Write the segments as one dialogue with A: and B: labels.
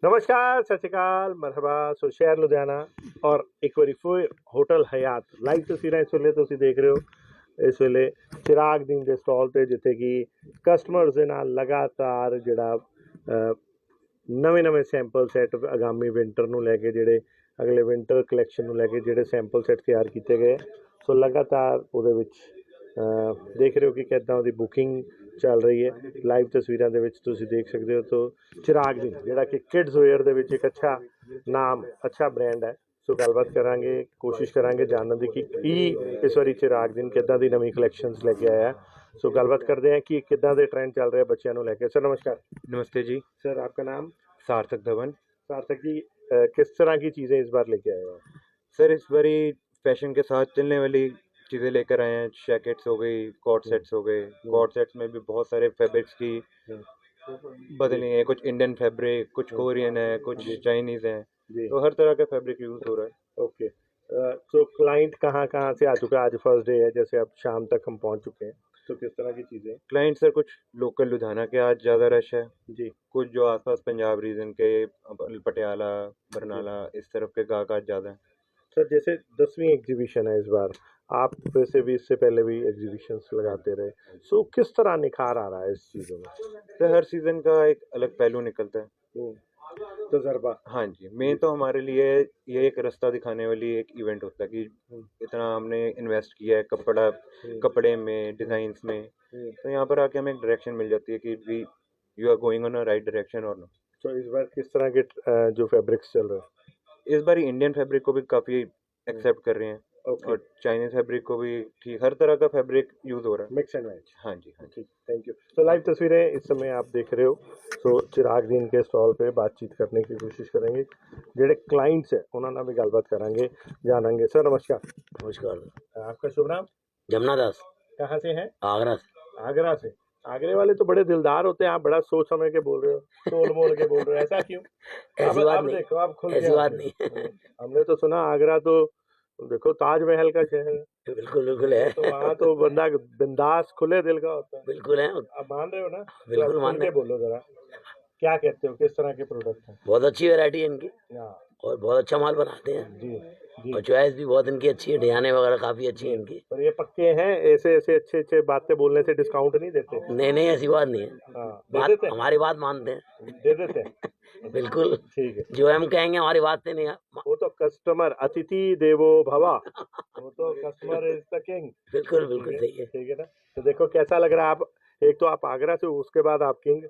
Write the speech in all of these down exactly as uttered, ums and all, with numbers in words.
A: नमस्कार, सत श्री अकाल, मरहबा। सो शहर लुधियाना और एक वारी फिर होटल हयात लाइव तस्वीरें इस वेले तुसीं देख रहे हो। इस वेले चिराग दीन के स्टॉल पे जिथे कि कस्टमर्स दे नाल लगातार जिहड़ा नवे नवे सैंपल सैट आगामी विंटर नूं लैके जिहड़े अगले विंटर कलैक्शन नूं लैके जिहड़े सैंपल सैट तैयार किए गए। सो लगातार उहदे विच देख रहे हो कि किदां उहदी बुकिंग चल रही है। लाइव तस्वीरों के विच तुसीं देख सकते हो। तो चिराग दीन जिहड़ा कि किड्स वेयर दे विच एक अच्छा नाम अच्छा ब्रांड है। सो गलबात करांगे, कोशिश करांगे जानने की कि की इस वारी चिराग दीन किदां दी नवीं कलैक्शनस लेके आया। सो गलबात करते हैं कि किदां दे ट्रेंड चल रहे हैं बच्चों को लेके। सर नमस्कार।
B: नमस्ते जी।
A: सर आपका नाम?
B: सार्थक धवन।
A: सार्थक जी, अ, किस तरह की चीज़ें इस बार लेके आए हो?
B: सर इस बारी फैशन के साथ चलने वाली चीज़ें लेकर आए हैं। जैकेट्स हो गई, कॉट सेट्स हो गए। कॉट सेट्स में भी बहुत सारे फैब्रिक्स की बदली हैं। कुछ इंडियन फैब्रिक, कुछ कोरियन है, कुछ चाइनीज़ हैं।
A: जी
B: तो हर तरह का फैब्रिक यूज़ हो रहा है।
A: ओके। तो क्लाइंट कहाँ कहाँ से आ चुका है? आज फर्स्ट डे है, जैसे अब शाम तक हम पहुंच चुके हैं, तो किस तरह की चीज़ें?
B: क्लाइंट सर कुछ लोकल लुधियाना के आज ज़्यादा रश है।
A: जी
B: कुछ जो आसपास पंजाब रीजन के पटियाला, बरनाला इस तरफ के गाहक आज ज़्यादा हैं।
A: सर, जैसे दसवीं एग्जीबिशन है इस बार, आप वैसे भी इससे पहले भी एग्जीबिशंस लगाते रहे, सो किस तरह निखार आ रहा है इस चीज़ों में?
B: सर हर सीज़न का एक अलग पहलू निकलता है।
A: हम्म, तजर्बा।
B: हाँ जी, मेन तो हमारे लिए ये एक रास्ता दिखाने वाली एक इवेंट होता है कि इतना हमने इन्वेस्ट किया है कपड़ा कपड़े में, डिज़ाइंस में, तो यहाँ पर आके हमें एक डायरेक्शन मिल जाती है कि we you are going on a right direction और नो।
A: तो इस बार किस तरह के अ, जो फैब्रिक्स चल रहे हैं?
B: इस बार इंडियन फैब्रिक को भी काफ़ी एक्सेप्ट कर रहे हैं
A: ओके,
B: और चाइनीज़ फैब्रिक को भी ठीक हर तरह का फैब्रिक यूज़ हो रहा है।
A: Mix and match.
B: हाँ जी, हाँ जी।
A: ठीक, थैंक यू। तो लाइव तस्वीरें इस समय आप देख रहे हो। सो चिराग दीन के स्टॉल पे बातचीत करने की कोशिश करेंगे, जेडे क्लाइंट्स है उन्होंने भी गलबात करांगे, जानेंगे। सर नमस्कार।
C: नमस्कार।
A: आपका शुभ नाम?
C: जमुना दास,
A: कहाँ से हैं?
C: आगरा से।
A: आगरा से। आगरे वाले तो बड़े दिलदार होते हैं, आप बड़ा सोच समझ के बोल रहे हो, तोल मोल के बोल रहे हो, ऐसा क्यों?
C: ऐसी
A: अब
C: बात
A: अब
C: नहीं,
A: देखो, आप खुल
C: ऐसी
A: के
C: बात
A: आते
C: नहीं।
A: हो। हमने तो सुना आगरा तो देखो ताजमहल का शहर है,
C: बिल्कुल बिल्कुल है।
A: तो वहाँ तो बंदा बिंदास खुले दिल का होता है।
C: बिल्कुल है,
A: आप मान रहे हो ना? तो
C: बिल्कुल
A: आप खुल
C: मान
A: के
C: रहे हैं।
A: बोलो जरा, क्या कहते हो, किस तरह के प्रोडक्ट हैं?
C: बहुत अच्छी वैरायटी है इनकी
A: हाँ,
C: और बहुत अच्छा माल बनाते हैं
A: जी जी।
C: और चॉइस भी बहुत इनकी अच्छी है। डिजाइने वगैरह काफी अच्छी है इनकी।
A: और ये पक्के हैं, ऐसे ऐसे अच्छे अच्छे बातें बोलने से डिस्काउंट नहीं देते?
C: नहीं नहीं, ऐसी बात नहीं है।
A: हाँ, दे
C: बात
A: देते हैं?
C: हमारी बात मानते हैं।
A: दे देते हैं।
C: बिल्कुल,
A: ठीक है।
C: जो हम कहेंगे हमारी बात से नहीं है।
A: वो तो कस्टमर अतिथि देवो भवा, वो तो कस्टमर इज द किंग।
C: बिल्कुल बिल्कुल सही है।
A: ठीक है ना? तो देखो कैसा लग रहा है। आप एक तो आप आगरा से, उसके बाद आप किंग।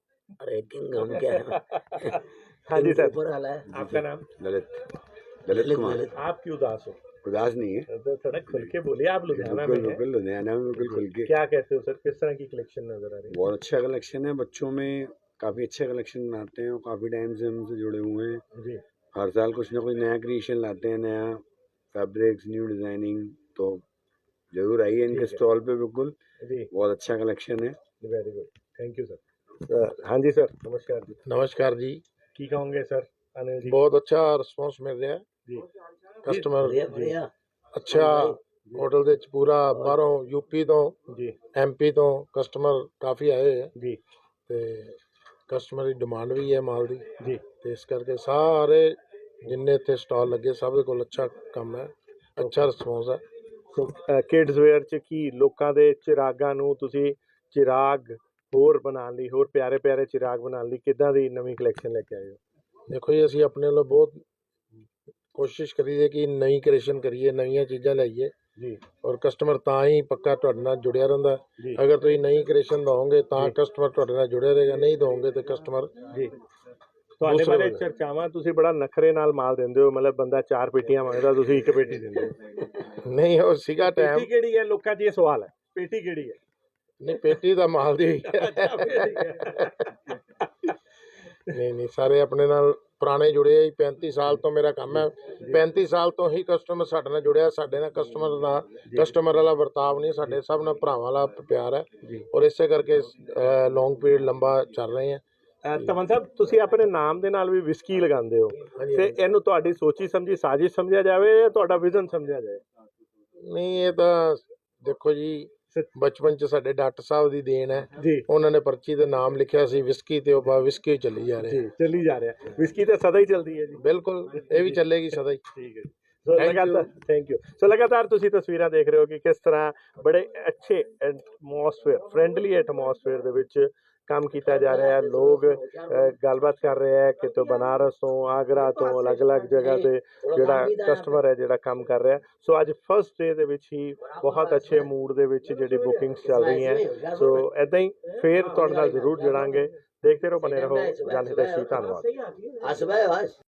C: अरे किंग हम क्या है।
A: हाँ जी
C: किंग तो
A: सर,
C: ऊपर वाला है।
A: आपका नाम?
D: ललित ललित
C: ललित
D: कुमार।
C: ललित।
A: आप क्यों उदास हो?
D: उदास नहीं है,
A: तो थोड़ा खुल के बोलिए, आप लुधियाना
D: बिल्कुल
A: में हैं।
D: बिल्कुल लुधियाना में बिल्कुल खुल के।
A: क्या कहते हो सर, किस तरह की कलेक्शन नजर आ रही है?
D: बहुत अच्छा कलेक्शन है, बच्चों में काफ़ी अच्छा कलेक्शन बनाते हैं और काफ़ी टाइम से हमसे जुड़े हुए हैं।
A: जी
D: हर साल कुछ ना कुछ नया क्रिएशन लाते हैं, नया फैब्रिक्स, न्यू डिज़ाइनिंग। तो जरूर आइए इनके
A: ठीक है।
D: स्टॉल पे, बिल्कुल
A: जी,
D: बहुत अच्छा कलेक्शन है।
A: Very good, thank you sir. हाँ जी सर, नमस्कार जी।
E: नमस्कार जी।
A: की कहोगे सर अनिल जी?
E: बहुत अच्छा ਰਿਸਪੌਂਸ ਮਿਲ ਰਿਹਾ ਹੈ।
A: जी
E: ਕਸਟਮਰ
C: बढ़िया बढ़िया।
E: ਅੱਛਾ ਹੋਟਲ ਦੇ ਵਿੱਚ ਪੂਰਾ ਬਾਹਰੋਂ ਯੂਪੀ ਤੋਂ
A: जी
E: ਐਮਪੀ ਤੋਂ ਕਸਟਮਰ ਕਾਫੀ ਆਏ ਹੋਏ ਹੈ
A: जी
E: ਤੇ ਕਸਟਮਰ ਦੀ ਡਿਮਾਂਡ ਵੀ ਹੈ ਮਾਲ ਦੀ,
A: जी।
E: ਤੇ ਇਸ ਕਰਕੇ ਸਾਰੇ ਜਿੰਨੇ ਇੱਥੇ ਸਟਾਲ ਲੱਗੇ ਸਭ ਦੇ ਕੋਲ ਅੱਛਾ ਕੰਮ ਹੈ, ਅੱਛਾ ਰਿਸਪੌਂਸ ਹੈ।
A: ਸੋ ਕਿਡਸ ਵੇਅਰ ਚ ਕੀ ਲੋਕਾਂ ਦੇ ਚਿਰਾਗਾਂ ਨੂੰ ਤੁਸੀਂ ਚਿਰਾਗ ਹੋਰ ਬਣਾਉਣ ਲਈ, ਹੋਰ ਪਿਆਰੇ ਪਿਆਰੇ ਚਿਰਾਗ ਬਣਾਉਣ ਲਈ ਕਿੱਦਾਂ ਦੀ ਨਵੀਂ ਕਲੈਕਸ਼ਨ ਲੈ ਕੇ ਆਏ ਹੋ?
E: ਦੇਖੋ ਜੀ, ਅਸੀਂ ਆਪਣੇ ਵੱਲੋਂ ਬਹੁਤ ਕੋਸ਼ਿਸ਼ ਕਰੀਏ ਕਿ ਨਵੀਂ ਕ੍ਰੀਏਸ਼ਨ ਕਰੀਏ, ਨਵੀਆਂ ਚੀਜ਼ਾਂ ਲਿਆਈਏ
A: ਜੀ
E: ਔਰ ਕਸਟਮਰ ਤਾਂ ਹੀ ਪੱਕਾ ਤੁਹਾਡੇ ਨਾਲ ਜੁੜਿਆ ਰਹਿੰਦਾ।
A: ਜੀ
E: ਅਗਰ ਤੁਸੀਂ ਨਈ ਕ੍ਰੀਏਸ਼ਨ ਦਓਗੇ ਤਾਂ
A: ਜੀ।
E: ਕਸਟਮਰ ਤੁਹਾਡੇ ਨਾਲ ਜੁੜਿਆ ਰਹੇਗਾ, ਨਹੀਂ ਦਓਗੇ ਤੇ ਕਸਟਮਰ
A: ਜੀ ਤੁਹਾਡੇ
E: ਦੂਸਰੇ
A: ਬਾਰੇ
E: ਬੰਦੇ।
A: ਚਰਚਾਵਾਂ, ਤੁਸੀਂ ਬੜਾ ਨਖਰੇ ਨਾਲ ਮਾਲ ਦਿੰਦੇ ਹੋ, ਮਤਲਬ ਬੰਦਾ ਚਾਰ ਪੇਟੀਆਂ ਮੰਗਦਾ, ਤੁਸੀਂ ਇੱਕ ਪੇਟੀ ਦਿੰਦੇ ਹੋ।
E: ਨਹੀਂ ਉਹ ਸੀਗਾ
A: ਪੇਟੀ
E: ਟਾਈਮ।
A: ਕਿਹੜੀ ਹੈ, ਲੋਕਾਂ 'ਚ ਇਹ ਸਵਾਲ ਹੈ, ਪੇਟੀ ਕਿਹੜੀ ਹੈ?
E: ਨਹੀਂ ਪੇਟੀ ਦਾ ਮਾਲ ਦੀ ਹੋਈ ਹੈ।
A: ਅੱਛਾ, ਪੇਟੀ ਹੈ।
E: ਨਹੀਂ ਨਹੀਂ, ਸਾਰੇ ਆਪਣੇ ਨਾਲ ਪੁਰਾਣੇ ਜੁੜੇ ਆ ਜੀ। ਪੈਂਤੀ ਸਾਲ ਤੋਂ ਮੇਰਾ ਕੰਮ ਹੈ, ਪੈਂਤੀ ਸਾਲ ਤੋਂ ਹੀ ਕਸਟਮਰ ਸਾਡੇ ਨਾਲ ਜੁੜਿਆ। ਸਾਡੇ ਨਾਲ ਕਸਟਮਰ ਦਾ ਕਸਟਮਰ ਵਾਲਾ ਵਰਤਾਵ ਨਹੀਂ, ਸਾਡੇ ਸਭ ਨਾਲ ਭਰਾਵਾਂ ਵਾਲਾ ਪਿਆਰ ਹੈ ਔਰ ਇਸੇ ਕਰਕੇ ਲੌਂਗ ਪੀਰੀਅਡ ਲੰਬਾ ਚੱਲ ਰਹੇ ਹੈ।
A: ਅਹ ਤਮਨ ਸਾਹਿਬ, ਤੁਸੀਂ ਆਪਣੇ ਨਾਮ ਦੇ ਨਾਲ ਵੀ ਵਿਸਕੀ ਲਗਾਉਂਦੇ ਹੋ, ਤੇ ਇਹਨੂੰ ਤੁਹਾਡੀ ਸੋਚੀ ਸਮਝੀ ਸਾਜ਼ਿਸ਼ ਸਮਝਿਆ ਜਾਵੇ ਜਾਂ ਤੁਹਾਡਾ ਵਿਜ਼ਨ ਸਮਝਿਆ ਜਾਏ?
E: ਨਹੀਂ ਇਹ ਤਾਂ ਦੇਖੋ ਜੀ, ਬਚਪਨ ਚ ਸਾਡੇ ਡਾਕਟਰ ਸਾਹਿਬ ਦੀ ਦੇਣ ਹੈ
A: ਜੀ
E: ਉਹਨਾਂ ਨੇ ਪਰਚੀ ਤੇ ਨਾਮ ਲਿਖਿਆ ਸੀ ਵਿਸਕੀ ਤੇ ਉਹ ਬਾ ਵਿਸਕੀ ਚੱਲੀ ਜਾ ਰਹੀ
A: ਜੀ ਚੱਲੀ ਜਾ ਰਿਹਾ ਵਿਸਕੀ ਤਾਂ ਸਦਾ ਹੀ ਚੱਲਦੀ ਹੈ ਜੀ
E: ਬਿਲਕੁਲ ਇਹ ਵੀ ਚੱਲੇਗੀ ਸਦਾ ਹੀ
A: ਠੀਕ ਹੈ ਜੀ ਸੋ
E: Thank
A: ਲਗਾਤਾਰ ਥੈਂਕ ਯੂ ਸੋ ਲਗਾਤਾਰ ਤੁਸੀਂ ਤਸਵੀਰਾਂ ਦੇਖ ਰਹੇ ਹੋ ਕਿ ਕਿਸ ਤਰ੍ਹਾਂ ਬੜੇ ਅੱਛੇ ਐਟਮੋਸਫੇਅਰ ਫ੍ਰੈਂਡਲੀ ਐਟਮੋਸਫੇਅਰ ਦੇ ਵਿੱਚ ਕੰਮ ਕੀਤਾ ਜਾ ਰਿਹਾ ਹੈ ਲੋਕ ਅ, ਗੱਲਬਾਤ ਕਰ ਰਹੇ ਹੈ ਕਿਤੋਂ ਬਨਾਰਸ ਤੋਂ ਆਗਰਾ ਤੋਂ ਅਲੱਗ-ਅਲੱਗ ਜਗ੍ਹਾ ਤੇ ਜਿਹੜਾ ਕਸਟਮਰ ਹੈ ਜਿਹੜਾ ਕੰਮ ਕਰ ਰਿਹਾ ਸੋ ਅੱਜ ਫਸਟ ਡੇ ਦੇ ਵਿੱਚ ਹੀ ਬਹੁਤ ਅੱਛੇ ਮੂਡ ਦੇ ਵਿੱਚ ਜਿਹੜੀ ਬੁਕਿੰਗਸ ਚੱਲ ਰਹੀਆਂ ਸੋ ਐਦਾਂ ਹੀ ਫੇਰ ਤੁਹਾਡੇ ਨਾਲ ਜ਼ਰੂਰ ਜੁੜਾਂਗੇ ਦੇਖਦੇ ਰਹੋ ਬਨੇ ਰਹੋ ਜਨ ਹਿਤੈਸ਼ੀ ਧੰਨਵਾਦ
C: हंस भाई हंस